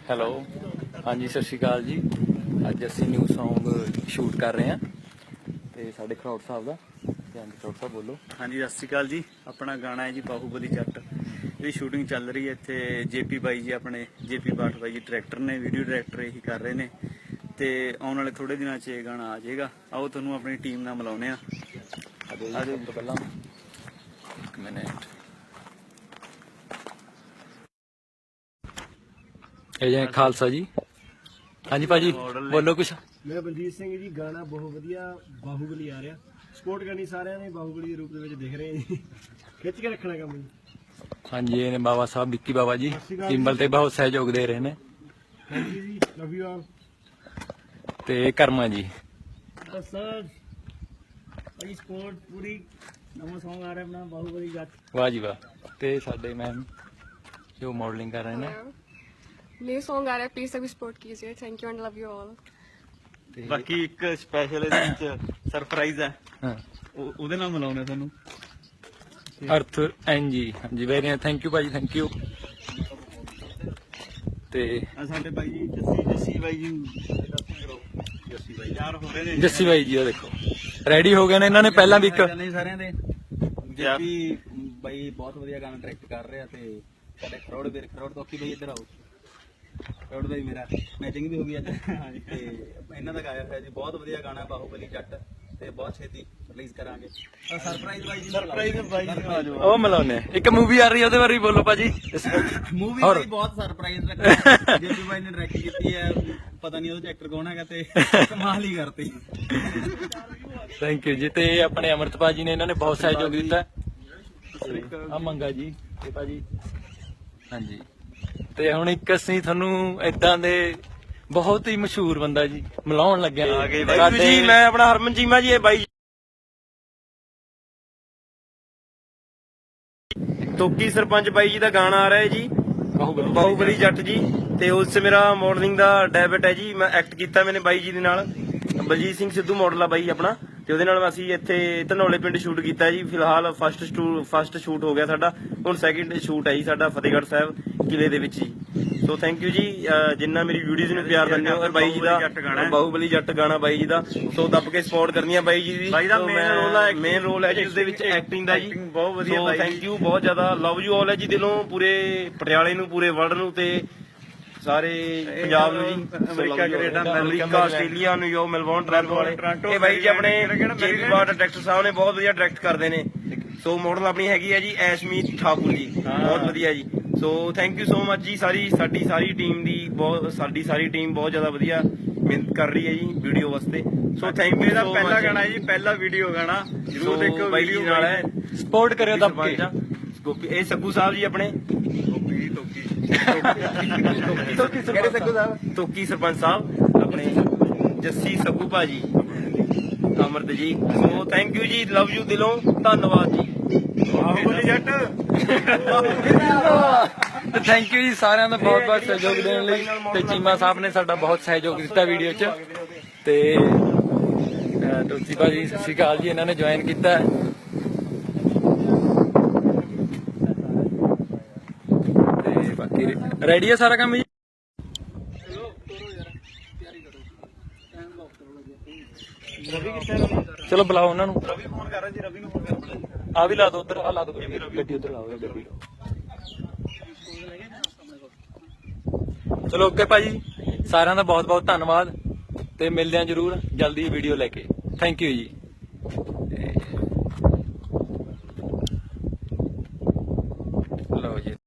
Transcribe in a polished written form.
Hello, ਹਾਂਜੀ ਸਤਿ ਸ਼੍ਰੀ ਅਕਾਲ ਜੀ। ਅੱਜ ਅਸੀਂ ਨਿਊ ਸੌਂਗ ਸ਼ੂਟ ਕਰ ਰਹੇ ਹਾਂ ਤੇ ਸਾਡੇ ਖਰੋੜ ਸਾਹਿਬ ਦਾ। ਹਾਂਜੀ ਖਰੋੜ ਸਾਹਿਬ ਬੋਲੋ। ਹਾਂਜੀ ਸਤਿ ਸ਼੍ਰੀ ਅਕਾਲ ਜੀ। ਆਪਣਾ ਗਾਣਾ ਹੈ ਜੀ ਬਾਹੂਬਲੀ ਜੱਟ। ਇਹਦੀ ਸ਼ੂਟਿੰਗ ਚੱਲ ਰਹੀ ਹੈ ਇੱਥੇ। ਜੇਪੀ ਬਾਈ ਜੀ, ਆਪਣੇ ਜੇਪੀ ਬਾਠ ਬਾਈ ਜੀ ਡਾਇਰੈਕਟਰ ਨੇ, ਵੀਡੀਓ ਡਾਇਰੈਕਟਰ ਇਹੀ ਕਰ ਰਹੇ ਨੇ ਤੇ ਆਉਣ ਵਾਲੇ ਥੋੜੇ ਦਿਨਾਂ 'ਚ ਇਹ ਗਾਣਾ ਆ ਜਾਏਗਾ। ਆਓ ਤੁਹਾਨੂੰ ਆਪਣੀ ਟੀਮ ਨਾਲ ਮਿਲਾਉਂਦੇ ਆ। ਸਭ ਤੋਂ ਪਹਿਲਾਂ ਇੱਕ ਮਿੰਟ, ਇਹ ਜੀ ਖਾਲਸਾ ਜੀ। ਹਾਂਜੀ ਭਾਜੀ ਬੋਲੋ ਕੁਛ। ਮੈਂ ਬਲਜੀਤ ਸਿੰਘ ਜੀ। ਗਾਣਾ ਬਹੁਤ ਵਧੀਆ ਬਾਹੂਬਲੀ ਆ ਰਿਹਾ। ਸਪੋਰਟ ਕਰਨੀ ਸਾਰਿਆਂ ਨੇ, ਬਾਹੂਬਲੀ ਦੇ ਰੂਪ ਦੇ ਵਿੱਚ ਦਿਖ ਰਹੇ ਜੀ। ਖਿੱਚ ਕੇ ਰੱਖਣਾ ਕੰਮ ਜੀ। ਹਾਂਜੀ ਇਹ ਨੇ ਬਾਬਾ ਸਾਹਿਬ ਵਿੱਕੀ ਬਾਬਾ ਜੀ, ਟਿੰਬਲ ਤੇ ਬਹੁਤ ਸਹਿਯੋਗ ਦੇ ਰਹੇ ਨੇ। ਥੈਂਕ ਯੂ ਜੀ, ਲਵ ਯੂ ਆਲ। ਤੇ ਕਰਮਾ ਜੀ। ਸਰ ਭਾਈ ਸਪੋਰਟ ਪੂਰੀ। ਨਵਾਂ ਸੌਂਗ ਆ ਰਿਹਾ ਆਪਣਾ ਬਾਹੂਬਲੀ ਜੱਟ। ਵਾਹ ਜੀ ਵਾਹ। ਤੇ ਸਾਡੇ ਮੈਮ ਜੋ ਮੋਡਲਿੰਗ ਕਰ ਰਹੇ ਨੇ। न्यू सॉन्ग आ रहा है, प्लीज सभी सपोर्ट कीजिए। Thank you and love you all. ਬਾਕੀ ਇੱਕ ਸਪੈਸ਼ਲ ਇਹਦੇ ਵਿੱਚ ਸਰਪ੍ਰਾਈਜ਼ ਹੈ, ਹਾਂ ਉਹਦੇ ਨਾਲ ਮਿਲਾਉਂਦੇ ਤੁਹਾਨੂੰ। ਅਰਥ ਐਨ ਜੀ। ਹਾਂਜੀ ਵੈਰੀ ਥੈਂਕ ਯੂ ਭਾਜੀ, ਥੈਂਕ ਯੂ। ਤੇ ਆ ਸਾਡੇ ਬਾਈ ਜੀ ਜੱਸੀ ਬਾਈ ਜੀ, ਜੱਸੀ ਬਾਈ ਯਾਰ ਹੋ ਰਹੇ ਨੇ। ਜੱਸੀ ਬਾਈ ਜੀ ਉਹ ਦੇਖੋ ਰੈਡੀ ਹੋ ਗਏ ਨੇ। ਇਹਨਾਂ ਨੇ ਪਹਿਲਾਂ ਵੀ ਇੱਕ ਸਾਰਿਆਂ ਦੇ ਜੇਪੀ ਬਾਈ ਬਹੁਤ ਵਧੀਆ ਗਾਣਾ ਡਾਇਰੈਕਟ ਕਰ ਰਿਹਾ ਤੇ ਸਾਡੇ ਖਰੋੜ ਤੋਕੀ ਬਾਈ ਇੱਧਰ ਆਓ। ਖਰੋੜ ਬਾਈ ਮੇਰਾ ਮੈਚਿੰਗ ਵੀ ਹੋ ਗਈ ਅੱਜ ਤੇ ਇਹਨਾਂ ਦਾ ਗਾਇਆ ਹੋਇਆ ਜੀ ਬਹੁਤ ਵਧੀਆ ਗਾਣਾ ਬਾਹੂਬਲੀ ਜੱਟ ਤੇ ਬਹੁਤ ਛੇਤੀ ਰਿਲੀਜ਼ ਕਰਾਂਗੇ। ਸਰਪ੍ਰਾਈਜ਼ ਬਾਈ ਜੀ, ਸਰਪ੍ਰਾਈਜ਼ ਬਾਈ ਜੀ ਆ ਜਾਓ। ਉਹ ਮਿਲਾਉਣੇ ਆ। ਇੱਕ ਮੂਵੀ ਆ ਰਹੀ ਹੈ ਉਹਦੇ ਬਾਰੇ ਵੀ ਬੋਲੋ ਭਾਜੀ। ਮੂਵੀ ਬਾਈ ਬਹੁਤ ਸਰਪ੍ਰਾਈਜ਼ ਰੱਖਿਆ। ਜੇਪੀ ਬਾਈ ਨੇ ਡਾਇਰੈਕਟ ਕੀਤੀ ਹੈ, ਪਤਾ ਨਹੀਂ ਉਹਦੇ ਚ ਐਕਟਰ ਕੌਣ ਹੈਗਾ ਤੇ ਕਮਾਲ ਹੀ ਕਰਤੀ। ਥੈਂਕ ਯੂ ਜੀ। ਤੇ ਆਪਣੇ ਅਮਰਤਪਾਲ ਜੀ ਨੇ, ਇਹਨਾਂ ਨੇ ਬਹੁਤ ਸਹਿਯੋਗ ਦਿੱਤਾ। ਆ ਮੰਗਾ ਜੀ ਤੇ ਭਾਜੀ। ਹਾਂਜੀ ਤੇ ਹੁਣ ਇੱਕ ਅਸੀਂ ਤੁਹਾਨੂੰ ਏਦਾਂ ਦੇ ਬਹੁਤ ਹੀ ਮਸ਼ਹੂਰ ਬੰਦਾ ਜੀ ਮਿਲਾਉਣ ਲੱਗਿਆ ਜੀ ਮੈਂ ਆਪਣਾ ਹਰਮਨ ਚੀਮਾ ਜੀ। ਇਹ ਬਾਈ ਤੋਕੀ ਸਰਪੰਚ ਬਾਈ ਜੀ ਦਾ ਗਾਣਾ ਆ ਰਿਹਾ ਹੈ ਜੀ, ਬਾਹੂਬਲੀ ਜੱਟ ਜੀ। ਤੇ ਉਸ 'ਚ ਮੇਰਾ ਮਾਡਲਿੰਗ ਦਾ ਡੈਬਿਟ ਹੈ ਜੀ। ਮੈਂ ਐਕਟ ਕੀਤਾ ਮੈਨੇ ਬਾਈ ਜੀ ਦੇ ਨਾਲ। ਬਲਜੀਤ ਸਿੰਘ ਸਿੱਧੂ ਮਾਡਲ ਆ ਬਾਈ ਆਪਣਾ, ਤੇ ਉਹਦੇ ਨਾਲ ਅਸੀਂ ਇੱਥੇ ਧਨੌਲੇ ਪਿੰਡ ਸ਼ੂਟ ਕੀਤਾ ਜੀ। ਫਿਲਹਾਲ ਫਸਟ ਸ਼ੂਟ ਹੋ ਗਿਆ ਸਾਡਾ, ਹੁਣ ਸੈਕਿੰਡ ਸ਼ੂਟ ਹੈ ਜੀ ਸਾਡਾ ਫਤਿਹਗੜ੍ਹ ਸਾਹਿਬ ਕਿਲੇ ਦੇ ਵਿੱਚ ਜੀ। ਸੋ ਥੈਂਕ ਯੂ ਜੀ, ਜਿੰਨਾ ਮੇਰੀ ਵੀਡੀਓਜ਼ ਨੂੰ ਪਿਆਰ ਦਿੰਦੇ ਹੋ। ਬਾਈ ਜੀ ਦਾ ਬਾਹੂਬਲੀ ਜੱਟ ਗਾਣਾ ਬਾਈ ਜੀ ਦਾ, ਸੋ ਦੱਬ ਕੇ ਸਪੋਰਟ ਕਰਨੀ ਆ ਬਾਈ ਜੀ ਦੀ। ਮੇਨ ਰੋਲ ਹੈ ਜੀ ਉਸਦੇ ਵਿੱਚ ਐਕਟਿੰਗ ਦਾ ਜੀ। ਬਹੁਤ ਵਧੀਆ, ਥੈਂਕ ਯੂ ਬਹੁਤ ਜ਼ਿਆਦਾ। ਲਵ ਯੂ ਆਲ ਹੈ ਜੀ ਦਿਲੋਂ, ਪੂਰੇ ਪਟਿਆਲੇ ਨੂੰ, ਪੂਰੇ ਵਰਲਡ ਨੂੰ ਤੇ ਸਾਰੇ ਪੰਜਾਬ ਨੂੰ ਜੀ। America, Canada, Australia, New York, Melbourne, Toronto ਵਾਲੇ ਇਹ ਬਾਈ ਜੀ ਆਪਣੇ ਜੇਪੀ ਬਾਠ ਡਾਇਰੈਕਟਰ ਸਾਹਿਬ ਨੇ ਬਹੁਤ ਵਧੀਆ ਡਾਇਰੈਕਟ ਕਰਦੇ ਨੇ। ਸੋ ਮਾਡਲ ਆਪਣੀ ਹੈਗੀ ਹੈ ਜੀ ਐਸ਼ਮੀਤ ਠਾਕੁਰ ਜੀ, ਬਹੁਤ ਵਧੀਆ ਜੀ। So thank you so much ਜੀ। ਸਾਡੀ ਸਾਰੀ ਟੀਮ ਦੀ ਸਾਡੀ ਸਾਰੀ ਟੀਮ ਬਹੁਤ ਜ਼ਿਆਦਾ ਵਧੀਆ ਮਿਹਨਤ ਕਰ ਰਹੀ ਹੈ ਜੀ ਵੀਡੀਓ ਵਾਸਤੇ। So thank you. ਇਹਦਾ ਪਹਿਲਾ ਗਾਣਾ ਜੀ, ਪਹਿਲਾ ਵੀਡੀਓ ਗਾਣਾ ਜਰੂਰ ਦੇਖੋ। ਬਾਈ ਜੀ ਨਾਲ ਹੈ, ਸਪੋਰਟ ਕਰਿਓ ਦੱਬ ਕੇ। ਇਹ ਸੱਗੂ ਸਾਹਿਬ ਜੀ ਆਪਣੇ ਤੋਕੀ ਸਰਪੰਚ ਸਾਹਿਬ ਆਪਣੇ, ਜੱਸੀ ਸੱਗੂ ਭਾਜੀ, ਅਮਰਤ ਜੀ। ਸੋ ਥੈਂਕ ਯੂ ਜੀ, ਲਵ ਯੂ ਦਿਲੋਂ, ਧੰਨਵਾਦ ਜੀ। ਬਾਹੂਬਲੀ ਜੱਟ। ਥੈਂਕ ਯੂ ਜੀ ਸਾਰਿਆਂ ਦਾ ਬਹੁਤ ਬਹੁਤ ਸਹਿਯੋਗ ਦੇਣ ਲਈ। ਤੇ ਚੀਮਾ ਸਾਹਿਬ ਨੇ ਸਾਡਾ ਬਹੁਤ ਸਹਿਯੋਗ ਦਿੱਤਾ ਵੀਡੀਓ 'ਚ। ਤੇ ਤੁਲਸੀ ਭਾਜੀ ਸਤਿ ਸ਼੍ਰੀ ਅਕਾਲ ਜੀ, ਇਹਨਾਂ ਨੇ ਜੁਆਇਨ ਕੀਤਾ। ਤੇ ਬਾਕੀ ਰੈਡੀ ਹੈ ਸਾਰਾ ਕੰਮ ਜੀ। ਚਲੋ ਬੁਲਾਓ ਉਹਨਾਂ ਨੂੰ। ਰਵੀ ਫੋਨ ਕਰ ਰਿਹਾ ਜੀ, ਰਵੀ ਨੂੰ ਫੋਨ ਕਰ। ਆ ਵੀ ਲਾ ਦੋ ਉੱਧਰ, ਆ ਲਾ ਦੋ ਗੱਡੀ ਉੱਧਰ ਲਾਓ ਗੱਡੀ। ਚਲੋ ਓਕੇ ਭਾਜੀ, ਸਾਰਿਆਂ ਦਾ ਬਹੁਤ ਬਹੁਤ ਧੰਨਵਾਦ ਤੇ ਮਿਲਦੇ ਆ ਜਰੂਰ ਜਲਦੀ ਵੀਡੀਓ ਲੈ ਕੇ। ਥੈਂਕ ਯੂ ਜੀ।